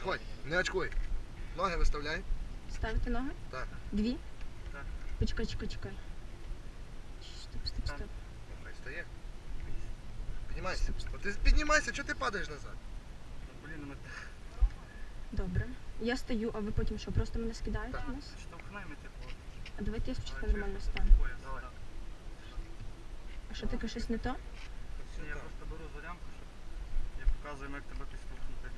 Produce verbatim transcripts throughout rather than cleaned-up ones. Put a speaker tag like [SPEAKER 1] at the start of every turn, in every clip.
[SPEAKER 1] Сходь, не очкуй. Ноги виставляй.
[SPEAKER 2] Ставити ноги?
[SPEAKER 1] Так.
[SPEAKER 2] Дві?
[SPEAKER 3] Так.
[SPEAKER 2] Почекай, чекай, чекай. Стоп, стоп, стоп.
[SPEAKER 1] Ну, хай стає. Піднімайся. От ти піднімайся, чого ти падаєш назад?
[SPEAKER 3] Блін, ми
[SPEAKER 2] Добре. Я стою, а ви потім що, просто мене скидаєте
[SPEAKER 1] Так.
[SPEAKER 2] у нас?
[SPEAKER 3] штовхнемо, типу.
[SPEAKER 2] А давайте я спочатку
[SPEAKER 3] але
[SPEAKER 2] нормально
[SPEAKER 3] через
[SPEAKER 2] стану.
[SPEAKER 3] пояс, давай.
[SPEAKER 2] А що таке, щось не то?
[SPEAKER 3] Ні, я просто беру за лямку, щоб я показую, як тебе підштовхнути.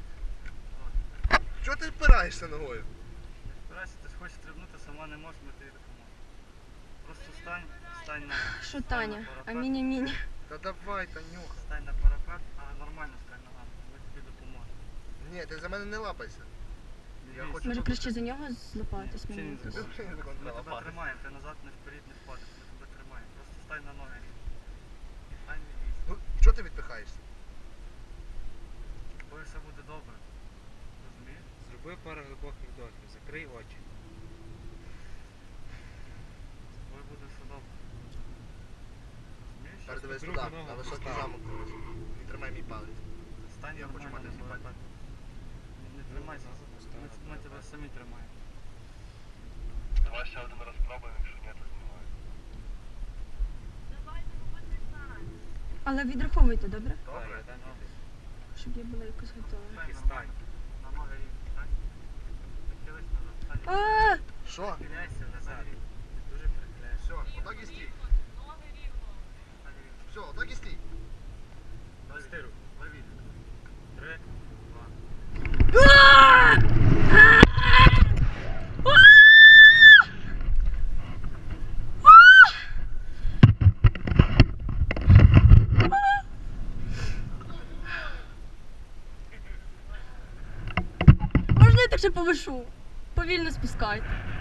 [SPEAKER 1] Чого ти впираєшся ногою?
[SPEAKER 3] Не спирайся, ти хочеш стрибнути, сама не можеш, ми тобі допоможемо. Просто стань, стань на...
[SPEAKER 2] Що,
[SPEAKER 3] стань
[SPEAKER 2] Таня?
[SPEAKER 3] на парапет.
[SPEAKER 2] Амінь-амінь.
[SPEAKER 1] Та давай, Танюха.
[SPEAKER 3] Стань на парапет, а нормально стань ногами, ми тобі допоможемо.
[SPEAKER 1] Ні, ти за мене не лапайся. Я
[SPEAKER 3] Дивись,
[SPEAKER 1] хочу-
[SPEAKER 2] Може краще за нього злопатись
[SPEAKER 3] Ні,
[SPEAKER 2] мені?
[SPEAKER 3] взагалі не
[SPEAKER 2] якось?
[SPEAKER 3] Ми тебе тримаємо, ти назад не вперед не впадеш, ми тебе тримаємо. Просто стань на ноги. Стань не бійся.
[SPEAKER 1] Ну, чого ти відпихаєшся?
[SPEAKER 3] Бо все буде добре. Розумієш?
[SPEAKER 4] Зроби пару глибоких вдохів, закрий очі.
[SPEAKER 3] Бо буде все добре. Розумієш?
[SPEAKER 1] Тепер дивись
[SPEAKER 4] другу
[SPEAKER 1] туди,
[SPEAKER 4] ногу
[SPEAKER 1] на високий
[SPEAKER 4] поставив.
[SPEAKER 1] замок дивись. І тримай мій палець.
[SPEAKER 3] Стань
[SPEAKER 1] Я хочу
[SPEAKER 3] нормально
[SPEAKER 1] мати
[SPEAKER 3] на парапет. Не тримайся,
[SPEAKER 4] Ногу
[SPEAKER 3] ми,
[SPEAKER 4] поставив
[SPEAKER 3] ми
[SPEAKER 4] на
[SPEAKER 3] тебе
[SPEAKER 4] парапет.
[SPEAKER 3] самі тримаємо.
[SPEAKER 5] Давай ще один раз пробуємо, якщо ні, то знімаю.
[SPEAKER 2] Але відраховуйте, добре?
[SPEAKER 4] Так,
[SPEAKER 1] Добре.
[SPEAKER 4] я дам тобі.
[SPEAKER 2] Щоб я була якось готова.
[SPEAKER 3] Стань
[SPEAKER 4] І
[SPEAKER 3] нормально.
[SPEAKER 4] стань.
[SPEAKER 3] На ноги рівно, стань. Нахились назад, стань.
[SPEAKER 2] А!
[SPEAKER 1] Що?
[SPEAKER 3] Нахиляйся назад.
[SPEAKER 4] Ти дуже прихиляєш.
[SPEAKER 1] Все, отак і стій.
[SPEAKER 3] Стань рівно.
[SPEAKER 1] Все, отак і стій.
[SPEAKER 3] Давай руку. Лови. Три, два.
[SPEAKER 2] Можна я так ще повишу? Повільно спускайте.